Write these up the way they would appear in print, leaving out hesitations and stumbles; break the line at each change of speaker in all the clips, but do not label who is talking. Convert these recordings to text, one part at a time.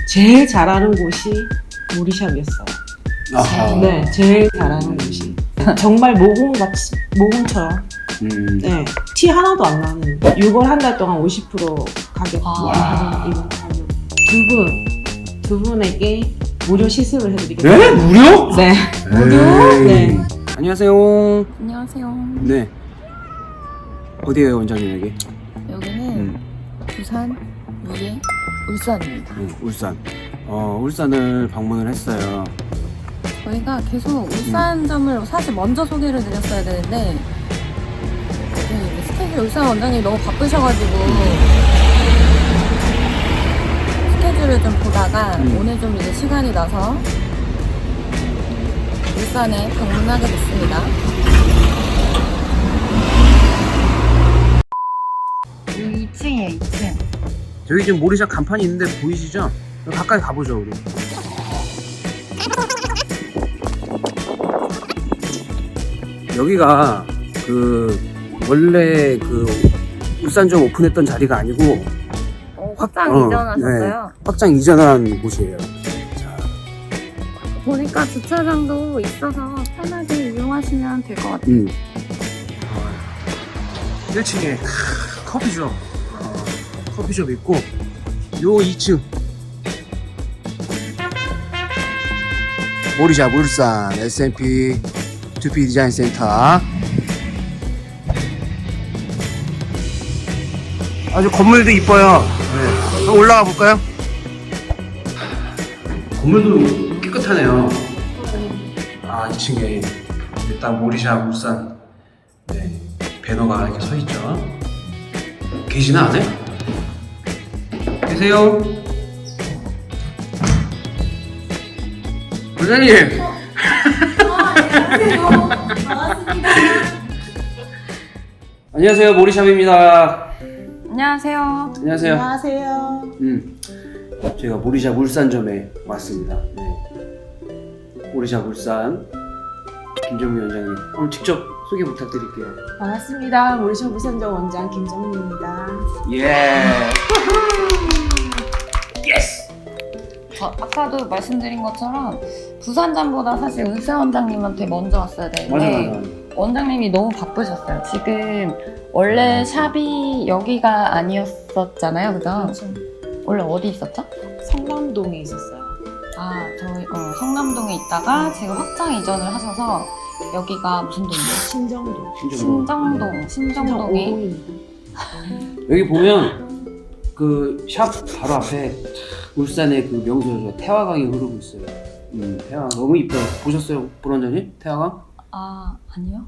제일 잘하는 곳이 모리샵이었어요.
아하.
네, 제일 잘하는 곳이 정말 모공같이 모공처럼. 네, 티 하나도 안 나는. 6월 한 달 동안 50% 가격 할인 이번 가격. 두 분에게 무료 시술을 해드리겠습니다.
네? 무료?
네.
무료?
네.
안녕하세요.
안녕하세요.
네. 어디에요, 원장님 여기?
여기는 부산, 무예, 울산입니다.
울산. 울산을 방문을 했어요.
저희가 계속 울산점을 사실 먼저 소개를 드렸어야 되는데 네, 스케줄 울산 원장님이 너무 바쁘셔가지고 스케줄을 좀 보다가 오늘 좀 이제 시간이 나서 울산에 방문하게 됐습니다. 여기 2층이에요, 2층.
저기 지금 모리샵 간판이 있는데 보이시죠? 가까이 가보죠, 우리. 여기가 원래 울산점 오픈했던 자리가 아니고
확장 이전하셨어요?
네, 확장 이전한 곳이에요. 자,
보니까 주차장도 있어서 편하게 이용하시면 될 것 같아요.
1층에 커피숍, 커피숍 있고 요 2층 모리샵 울산 S&P 두피 디자인 센터. 아주 건물도 이뻐요. 네. 한번 올라가 볼까요? 건물도 깨끗하네요. 2층에 일단 모리샵 울산 네, 배너가 이렇게 서 있죠. 계시나 안에? 계세요? 부장님. 안녕하세요, 모리샵입니다.
안녕하세요.
안녕하세요.
안녕하세요.
저희가 모리샵 울산점에 왔습니다. 네. 모리샵 울산 김정민 원장님, 오늘 직접 소개 부탁드릴게요.
반갑습니다. 모리샵 울산점 원장 김정민입니다.
예. 예스.
아까도 말씀드린 것처럼 부산점보다 사실 울산 원장님한테 먼저 왔어야 되는데
맞아.
원장님이 너무 바쁘셨어요. 지금 원래 샵이 여기가 아니었었잖아요, 그죠?
그렇죠.
원래 어디 있었죠?
성남동에 있었어요.
저희 성남동에 있다가 지금 확장 이전을 하셔서 여기가 무슨 동이에요?
신정동.
신정동에
5동입니다.
여기 보면 샵 바로 앞에 울산의 명소죠. 태화강이 흐르고 있어요. 태화강 너무 이뻐요. 보셨어요, 보원장님? 태화강?
아니요.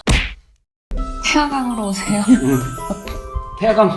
태화강으로 오세요.
태화강.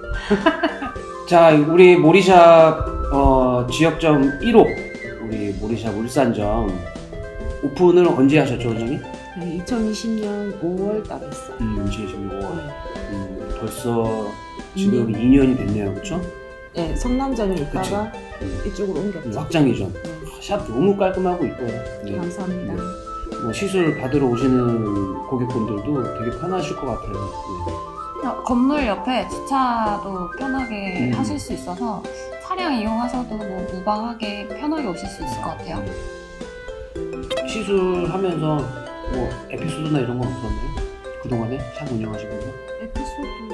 자, 우리 모리샵 지역점 1호 우리 모리샵 울산점 오픈을 언제 하셨죠, 원장님?
네, 2020년 5월 달 했어요.
2025월.
네.
벌써 지금 2년이 됐네요, 그렇죠?
네, 성남점에 있다가 이쪽으로 옮겼죠.
확장 이전.
네.
샵 너무 깔끔하고 이뻐요. 네.
감사합니다.
뭐 시술 받으러 오시는 고객분들도 되게 편하실 것 같아요.
건물 옆에 주차도 편하게 하실 수 있어서 차량 이용하셔도 뭐 무방하게 편하게 오실 수 있을 것 같아요.
시술하면서 뭐 에피소드나 이런 건 없었나요? 그동안에 샵 운영하시면서?
에피소드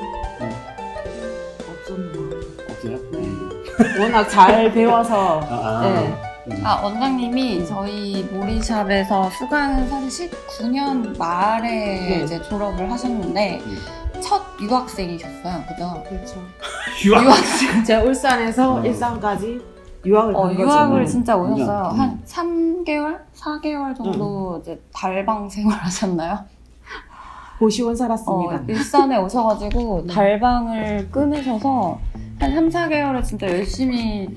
없었나?
없어요?
워낙 잘 배워서. 네.
원장님이 저희 모리샵에서 수강은 사실 19년 말에 이제 졸업을 하셨는데 첫 유학생이셨어요, 그죠?
그렇죠.
유학생.
제가 울산에서 일산까지 유학을 간 거죠.
유학을 진짜 오셨어요.
음.
한 3개월? 4개월 정도 이제 달방 생활하셨나요?
고시원 살았습니다.
일산에 오셔가지고
네.
달방을 끊으셔서 한 3, 4개월을 진짜 열심히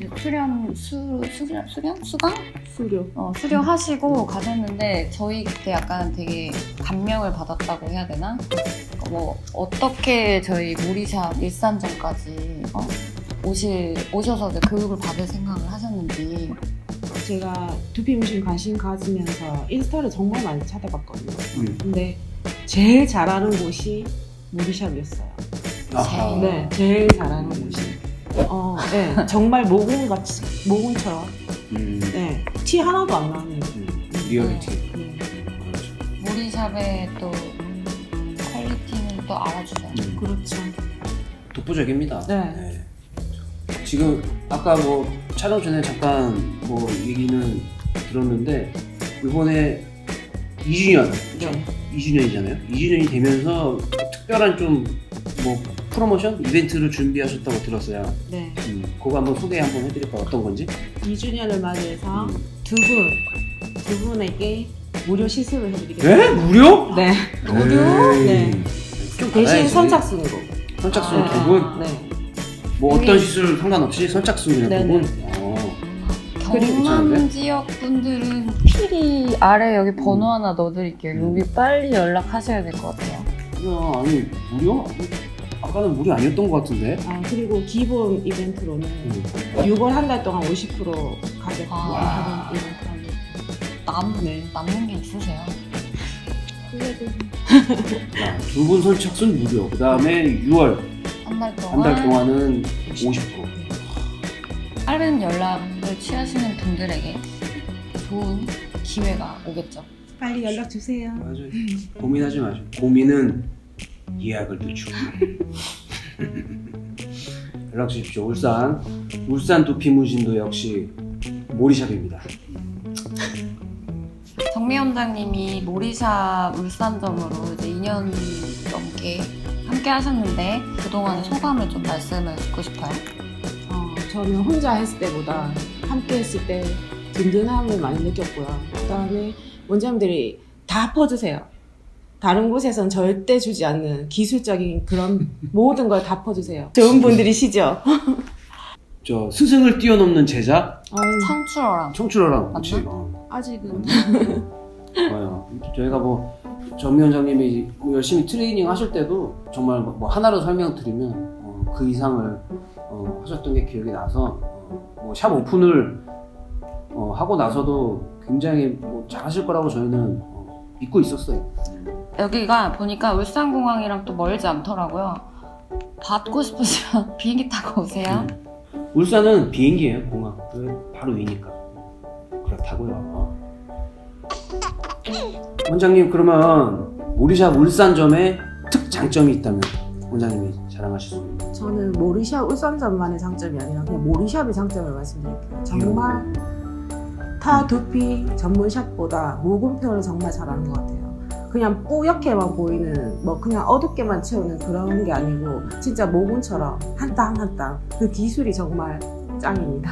수료하시고 가셨는데 저희 그때 약간 되게 감명을 받았다고 해야 되나? 뭐 어떻게 저희 모리샵 일산점까지 오셔서 이제 교육을 받을 생각을 하셨는지.
제가 두피 문신 관심 가지면서 인스타를 정말 많이 찾아봤거든요. 근데 제일 잘하는 곳이 모리샵이었어요.
아하.
네, 제일 잘하는 곳이. 네, 정말 모공처럼. 네, 티 하나도 안 나는.
리얼리티.
네.
그렇죠.
모리샵의 또 퀄리티는 또 알아주죠.
그렇죠.
독보적입니다.
네.
지금 아까 뭐 촬영 전에 잠깐 뭐 얘기는 들었는데 이번에 2주년, 그렇죠?
네.
2주년이잖아요. 2주년이 되면서 특별한 좀 뭐 프로모션 이벤트를 준비하셨다고 들었어요.
네.
그거 한번 소개 한번 해드릴까요? 어떤 건지?
2주년을 맞이해서
음.
두 분에게 무료 시술을 해드리겠습니다.
네? 무료?
네.
무료?
네.
좀
대신
받아야지.
선착순으로.
선착순
네.
두 분?
네.
뭐 어떤 시술 상관없이 선착순 그냥 두
네네.
분?
경남
괜찮은데?
지역 분들은 필히 아래 여기 번호 하나 넣어드릴게요. 여기 빨리 연락하셔야 될 것 같아요.
야, 아니 무료? 아까는 무료 아니었던 것 같은데?
그리고 기본 이벤트로는 6월 한 달 동안 50% 가격
아.
하는 이벤트. 네.
남는 게 있으세요?
그래도
두 분 선착순 무료. 그 다음에 6월
한 달
한 달
동안
동안은 50%.
빠른 연락을 취하시는 분들에게 좋은 기회가 오겠죠.
빨리 연락 주세요.
맞아요. 고민하지 마죠. 고민은 예약을 늦추고. 연락 주십시오. 울산 두피문신도 역시 모리샵입니다.
정미 원장님이 모리샵 울산점으로 이제 2년 넘게 함께 하셨는데 그동안의 소감을 좀 말씀을 듣고 싶어요.
저는 혼자 했을 때보다 함께 했을 때 든든함을 많이 느꼈고요. 그다음에 원장님들이 다 퍼주세요. 다른 곳에선 절대 주지 않는 기술적인 그런 모든 걸 다 퍼주세요. 좋은 분들이시죠?
저 스승을 뛰어넘는 제자
청출어랑
청출어랑 같이.
맞나?
아직은
맞아요. 저희가 뭐 정미 원장님이 열심히 트레이닝 하실 때도 정말 뭐 하나로 설명드리면 그 이상을 하셨던 게 기억이 나서 뭐 샵 오픈을 하고 나서도 굉장히 뭐 잘하실 거라고 저희는 믿고 있었어요.
여기가 보니까 울산공항이랑 또 멀지 않더라고요. 받고 싶으시면 비행기 타고 오세요.
울산은 비행기예요, 공항. 바로 위니까. 그렇다고요. 원장님, 그러면 모리샵 울산점에 특장점이 있다면 원장님이 자랑하실 수 있는.
저는 모리샵 울산점만의 장점이 아니라 그냥 모리샵의 장점을 말씀드릴게요. 정말 타 두피 전문 샵보다 모공 표현을 정말 잘하는 것 같아요. 그냥 뿌옇게만 보이는 뭐 그냥 어둡게만 채우는 그런 게 아니고 진짜 모공처럼 한 땀 한 땀 그 기술이 정말 짱입니다.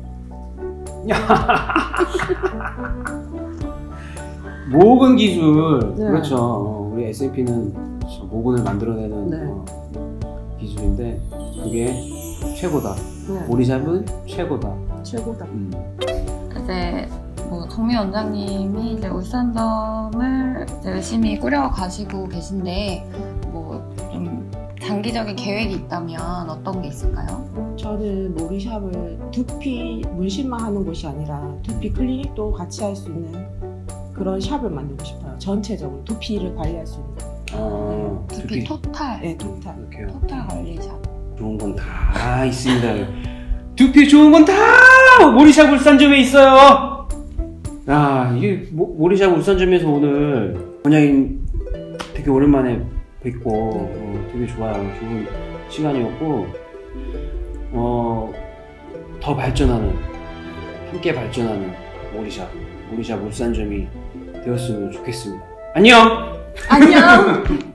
모근 기술.
네.
그렇죠. 우리 SAP는 모근을 만들어내는
네.
기술인데 그게 최고다.
네.
모리샵은 최고다.
최고다.
이제 뭐 정미 원장님이 이제 울산점을 이제 열심히 꾸려가시고 계신데 뭐 좀 장기적인 계획이 있다면 어떤 게 있을까요?
저는 모리샵을 두피 문신만 하는 곳이 아니라 두피 클리닉도 같이 할 수 있는 그런 샵을 만들고 싶어요. 전체적으로 두피를 관리할 수 있는.
두피 토탈.
네, 토탈.
이렇게요.
토탈 관리샵.
좋은 건 다 있습니다. 두피 좋은 건 다 모리샵 울산점에 있어요. 야, 이게 모리샵 울산점에서 오늘 원장님 되게 오랜만에 뵙고 되게 좋아요. 좋은 시간이었고 더 발전하는, 함께 발전하는 모리샵 울산점이 되었으면 좋겠습니다. 안녕.
안녕.